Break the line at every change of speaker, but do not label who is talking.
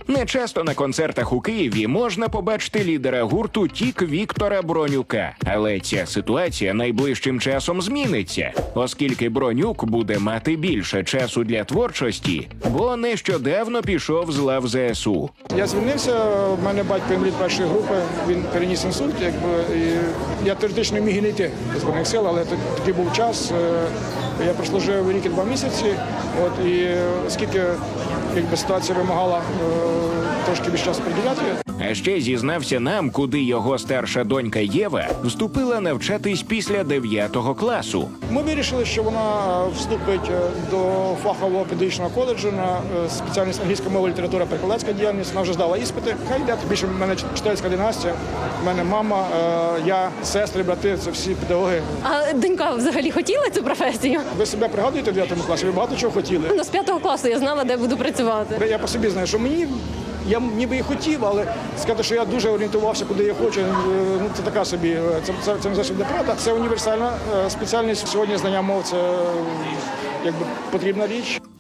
Нечасто на концертах у Києві можна побачити лідера гурту «Тік» Віктора Бронюка. Але ця ситуація найближчим часом зміниться, оскільки Бронюк буде мати більше часу для творчості, бо нещодавно пішов з лав ЗСУ.
Я звільнився, в мене батько інвалід першої групи, він переніс інсульт, і я теоретично міг і не йти до Збройних сил, але такий був час. Я прослужив рік і 2 місяці, і оскільки ситуація вимагала трошки більше часу приділяти.
А ще зізнався нам, куди його старша донька Єва вступила навчатись після 9 класу.
Ми вирішили, що вона вступить до фахового педагогічного коледжу на спеціальність англійська мова, література, перекладацька діяльність. Вона вже здала іспити. Хай йде. Більше в мене читальська династія, в мене мама, я, сестри, брати, це всі педагоги.
А донька взагалі хотіла цю професію?
Ви себе пригадуєте в 9 класі? Ви багато чого хотіли?
З 5 класу я знала, де буду працювати.
Я по собі знаю, що я ніби і хотів, але сказати, що я дуже орієнтувався, куди я хочу, це така собі, це не зовсім неправда. Це універсальна спеціальність. Сьогодні знання мов – це потрібна річ.